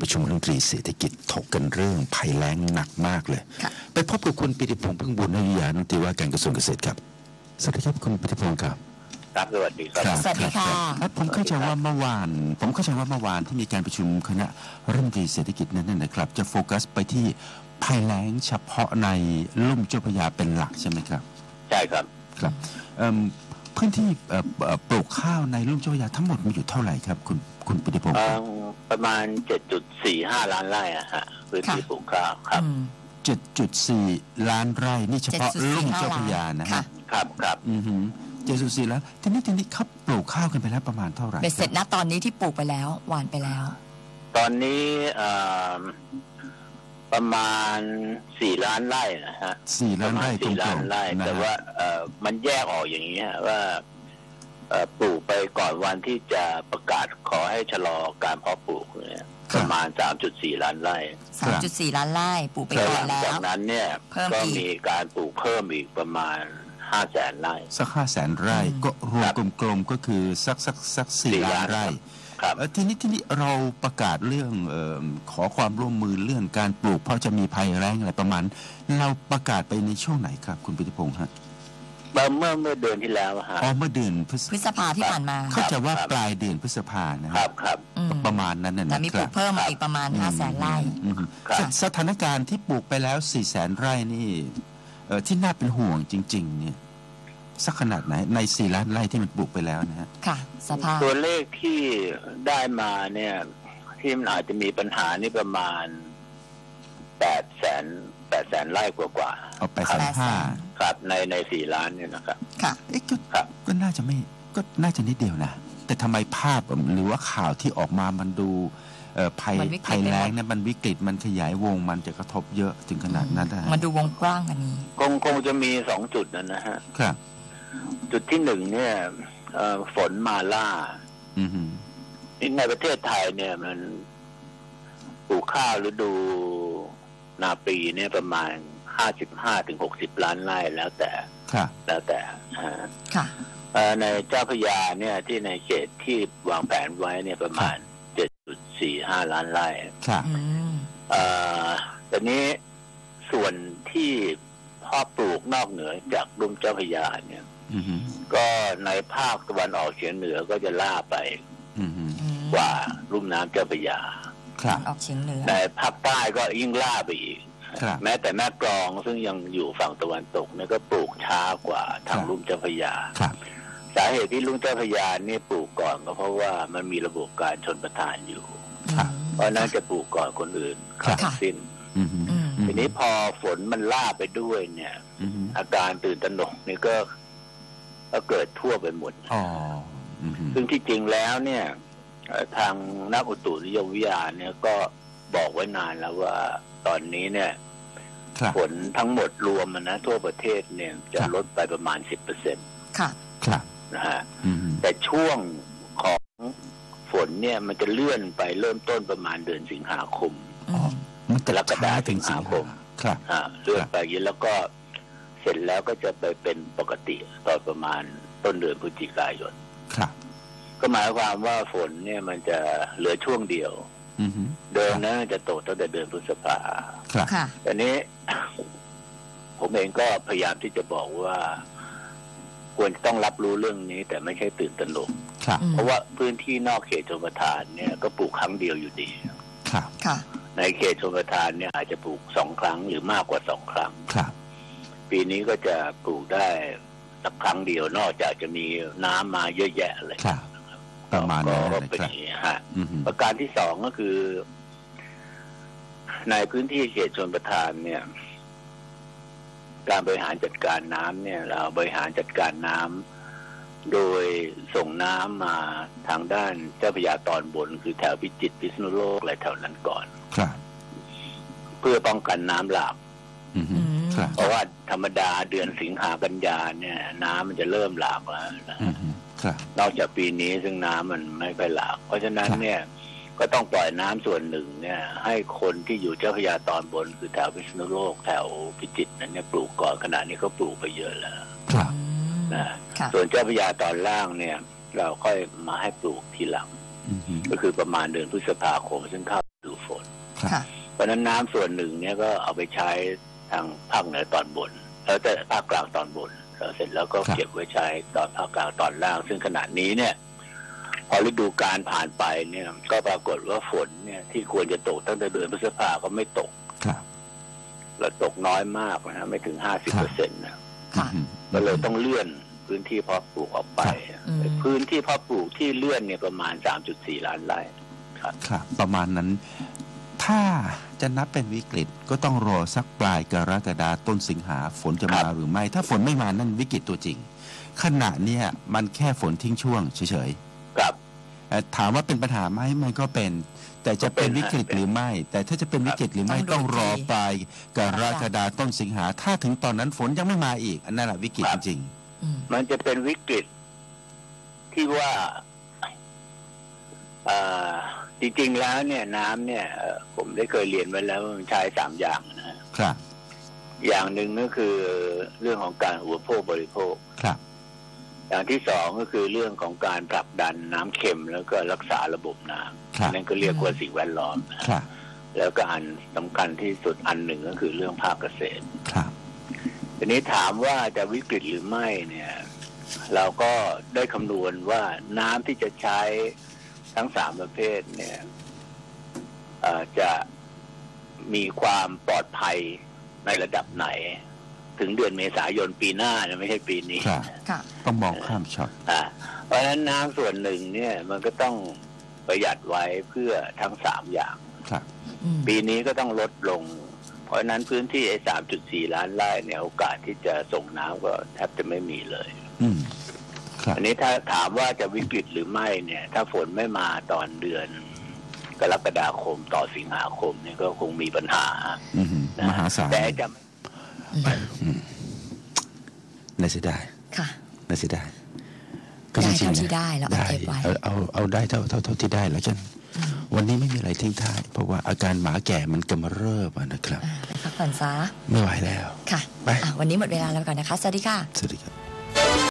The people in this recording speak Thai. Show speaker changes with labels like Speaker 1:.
Speaker 1: ประชุมรัฐมนตรีเศรษฐกิจถกกันเรื่องภัยแล้งหนักมากเลยไปพบกับคุณปิติพงษ์พึ่งบุญนาวิทยานุติว่าการกระทรวงเกษตรครับสวัสดีครับคุณปิติพงษ์ครับ
Speaker 2: ครับสวัสดีครับ
Speaker 3: สวัสดีค่ะ
Speaker 1: ผมเข้าใจว่าเมื่อวานที่มีการประชุมคณะรัฐมนตรีเศรษฐกิจนั้นนะครับจะโฟกัสไปที่ภัยแล้งเฉพาะในลุ่มเจ้าพระยาเป็นหลักใช่ไหมครับ
Speaker 2: ใช่ครับ
Speaker 1: ครับพื้นที่ปลูกข้าวในลุ่มเจ้าพระยาทั้งหมดมีอยู่เท่าไหร่ครับคุณปิติพงษ์
Speaker 2: ประมาณ 7.45 ล้านไร่อะฮะพื้นที่ปลูกข้าวครับ
Speaker 1: 7.4 ล้านไร่นี่เฉพาะลุ่มเจ้าพระยานะฮะ
Speaker 2: ครับ
Speaker 1: 7.4 ล้านทีนี้เขาปลูกข้าวกันไปแล้วประมาณเท่าไหร่
Speaker 3: เบ็ดเสร็จนะตอนนี้ที่ปลูกไปแล้วหว่านไปแล้ว
Speaker 2: ตอนนี้ประมาณ4 ล้านไร่นะฮะ
Speaker 1: 4 ล้านไร่
Speaker 2: 4 ล้านไร่แต่ว่ามันแยกออกอย่างนี้ว่าปลูกไปก่อนวันที่จะประกาศขอให้ชะลอการเพาะปลูกเนี่ยประมาณ 3.4 ล้านไร่
Speaker 3: 3.4 ล้านไร่ปลูกไปก่อนแล้ว
Speaker 2: จากนั้นเนี่ยก็มีการปลูกเพิ่มอีกประมาณ500,000 ไร่
Speaker 1: สัก 500,000 ไร่ก็รวมกลมๆก็คือสัก4 ล้านไร่ทีนี้เราประกาศเรื่องขอความร่วมมือเรื่องการปลูกเพราะจะมีภัยแล้งอะไรประมาณเราประกาศไปในช่วงไหนครับคุณปิติพงษ์ฮะ
Speaker 2: เมื่อเดือนที่แล้วฮะ
Speaker 1: เมื่อเดือน
Speaker 3: พฤษภาที่ผ่านมา
Speaker 1: เข้าใจว่าปลายเดือนพฤษภานะครับประมาณนั้นนะ
Speaker 3: แต่มีปลูกเพิ่มอีกประมาณ 500,000 ไร่
Speaker 1: สถานการณ์ที่ปลูกไปแล้ว 400,000 ไร่นี่ที่น่าเป็นห่วงจริงๆเนี่ยสักขนาดไหนใน4 ล้านไร่ที่มันปลูกไปแล้วนะฮะ
Speaker 3: ค่ะสภาพ
Speaker 2: ตัวเลขที่ได้มาเนี่ยที่มันอาจจะมีปัญหานี่ประมาณ800,000 ไร่กว่า
Speaker 1: เอา850,000
Speaker 2: ครับใน4 ล้านเนี่ยนะครับ
Speaker 3: ค่ะ
Speaker 1: ก็น่าจะนิดเดียวนะแต่ทำไมภาพหรือว่าข่าวที่ออกมามันดูภัยแล้งเนี่ยมันวิกฤตมันขยายวงมันจะกระทบเยอะถึงขนาดนั้น
Speaker 3: มันดูวงกว้างอันนี้
Speaker 2: คงจะมี2 จุดนะฮะ
Speaker 1: ครับ
Speaker 2: จุดที่1เนี่ยฝนมาล่าในประเทศไทยเนี่ยมันปลูกข้าวฤดูนาปีเนี่ยประมาณ55-60 ล้านไร่แล้วแต่ในเจ้าพระยาเนี่ยที่ในเขตที่วางแผนไว้เนี่ยประมาณ 7.45 ล้านไร่แต่นี้ส่วนที่พ่อปลูกนอกเหนือจากลุ่มเจ้าพระยาเนี่ยก็ในภาคตะวันออกเฉียงเหนือก็จะล่าไปกว่าลุ่มน้ำเจ้าพระยา
Speaker 3: ออกเฉียงเหนือ
Speaker 2: ในภาคใต้ก็ยิ่งล่าไปอีกแม้แต่แม่กลองซึ่งยังอยู่ฝั่งตะวันตกเนี่ยก็ปลูกช้ากว่าทางลุ่มเจ้าพระยาสาเหตุที่ลุ่มเจ้าพระยานี่ปลูกก่อนก็เพราะว่ามันมีระบบการชลประทานอยู่เพราะนั้นจะปลูกก่อนคนอื่นทั้งสิ้นทีนี้พอฝนมันล่าไปด้วยเนี่ยอาการตื่นตระหนกนี่ก็เกิดทั่วไปหมดซึ่งที่จริงแล้วเนี่ยทางนักอุตุนิยมวิทยาเนี่ยก็บอกไว้นานแล้วว่าตอนนี้เนี่ยฝนทั้งหมดรวมนะทั่วประเทศเนี่ยจะลดไปประมาณ 10%
Speaker 3: ค่ะ
Speaker 2: นะฮะแต่ช่วงของฝนเนี่ยมันจะเลื่อนไปเริ่มต้นประมาณเดือนสิงหาคม
Speaker 1: กรกฎาคม
Speaker 2: ถึงสิงหาคมเลื่อนไปแล้วก็เสร็จแล้วก็จะไปเป็นปกติตอนประมาณต้นเดือนพฤศจิกายนก็หมายความว่าฝนเนี่ยมันจะเหลือช่วงเดียวเดิมนั้นจะตกตั้งแต่เดือนพฤษภาแต่นี้ผมเองก็พยายามที่จะบอกว่าควรต้องรับรู้เรื่องนี้แต่ไม่ใช่ตื่นตระหนกเพราะว่าพื้นที่นอกเขตชลประทานเนี่ยก็ปลูกครั้งเดียวอยู่ดีในเขตชลประทานเนี่ยอาจจะปลูก2 ครั้งหรือมากกว่า2 ครั้งปีนี้ก็จะปลูกได้สักครั้งเดียวนอกจากจะมีน้ำมาเยอะแยะเลย
Speaker 1: ประมาณนั้น
Speaker 2: ก็เป็นอย่างนี้ฮะประการที่2ก็คือในพื้นที่เขตชลประทานเนี่ยการบริหารจัดการน้ำเนี่ยเราบริหารจัดการน้ำโดยส่งน้ำมาทางด้านเจ้าพระยาตอนบนคือแถวพิจิตรพิษณุโลกอะไรแถวนั้นก่อนเพื่อป้องกันน้ำหลากเพราะว่าธรรมดาเดือนสิงหากันยาเนี่ยน้ำมันจะเริ่มหลากแล้วนะนอกจากปีนี้ซึ่งน้ำมันไม่ค่อยหลากเพราะฉะนั้นเนี่ยก็ต้องปล่อยน้ำส่วนหนึ่งเนี่ยให้คนที่อยู่เจ้าพระยาตอนบนคือแถวพิษณุโลกแถวพิจิตรนั้นเนี่ยปลูกก่อนขณะนี้ก็ปลูกไปเยอะแล้วนะส่วนเจ้าพระยาตอนล่างเนี่ยเราค่อยมาให้ปลูกทีหลังก็คือประมาณเดือนพฤษภาคมซึ่งเข้าฤดูฝน
Speaker 3: ค่ะ
Speaker 2: เพราะนั้นน้ำส่วนหนึ่งเนี่ยก็เอาไปใช้ทางภาคเหนือตอนบนแล้วแต่ภาคกลางตอนบนแล้วเสร็จแล้วก็เก็บไว้ใช้ตอนภาคกลางตอนล่างซึ่งขณะนี้เนี่ยพอฤดูกาลผ่านไปเนี่ยก็ปรากฏว่าฝนเนี่ยที่ควรจะตกตั้งแต่เดือนพฤษภาก็ไม่ตกและตกน้อยมากนะไม่ถึง 50% นะก็เลยต้องเลื่อนพื้นที่เพาะปลูกออกไปพื้นที่เพาะปลูกที่เลื่อนเนี่ยประมาณ 3.4 ล้านไร่
Speaker 1: ครับประมาณนั้นถ้าจะนับเป็นวิกฤตก็ต้องรอสักปลายกรกฎาคมต้นสิงหาฝนจะมาหรือไม่ถ้าฝนไม่มานั่นวิกฤตตัวจริงขณะเนี้ยมันแค่ฝนทิ้งช่วงเฉย
Speaker 2: ๆครับ
Speaker 1: ถามว่าเป็นปัญหาไหมมันก็เป็นแต่จะเป็นวิกฤตหรือไม่แต่ถ้าจะเป็นวิกฤตหรือไม่ต้องรอปลายกรกฎาคมต้นสิงหาถ้าถึงตอนนั้นฝนยังไม่มาอีกอันนั้นแหละวิกฤตจริง
Speaker 2: มันจะเป็นวิกฤตที่ว่าจริงๆแล้วเนี่ยน้ำเนี่ยผมได้เคยเรียนไว้แล้วมันใช้3 อย่างนะครับอย่างหนึ่งก็คือเรื่องของการอุปโภคบริโภค
Speaker 1: ครับ
Speaker 2: อย่างที่2ก็คือเรื่องของการผลักดันน้ำเค็มแล้วก็รักษาระบบน้ำนั่นก็เรียกว่าสิ่งแวดล้อมแล้วก็อันสำคัญที่สุดอันหนึ่งก็คือเรื่องภาคเกษตร
Speaker 1: ครับ
Speaker 2: ทีนี้ถามว่าจะวิกฤตหรือไม่เนี่ยเราก็ได้คำนวณว่าน้ำที่จะใช้ทั้ง3ประเภทเนี่ยจะมีความปลอดภัยในระดับไหนถึงเดือนเมษายนปีหน้านะไม่ใช่ปีนี้
Speaker 1: ต้องมองข้ามช็อต
Speaker 2: เพราะฉะนั้นน้ำส่วนหนึ่งเนี่ยมันก็ต้องประหยัดไว้เพื่อทั้ง3อย่างปีนี้ก็ต้องลดลงเพราะฉะนั้นพื้นที่3.4 ล้านไร่เนี่ยโอกาสที่จะส่งน้ำก็แทบจะไม่มีเลยอันนี้ถ้าถามว่าจะวิกฤตหรือไม่เนี่ยถ้าฝนไม่มาตอนเดือนกรกฎาคมต่อสิงหาคมเนี่ยก็คงมีปัญหาม
Speaker 1: หาศาล
Speaker 2: แต่จะ
Speaker 1: น่าเสียดายน่าเสียดาย
Speaker 3: ก็จริงๆที่ได้แล้ว
Speaker 1: เอาได้เท่าที่ได้แล้วกันวันนี้ไม่มีอะไรทิ้งท้ายเพราะว่าอาการหมาแก่มันกำเริบนะครับ
Speaker 3: ไปพักผ่อนซะ
Speaker 1: ไม่ไหวแล้ว
Speaker 3: ค่ะวันนี้หมดเวลาแล้วก่อนนะคะสวัสดีค่ะ
Speaker 1: สวัสดีครับ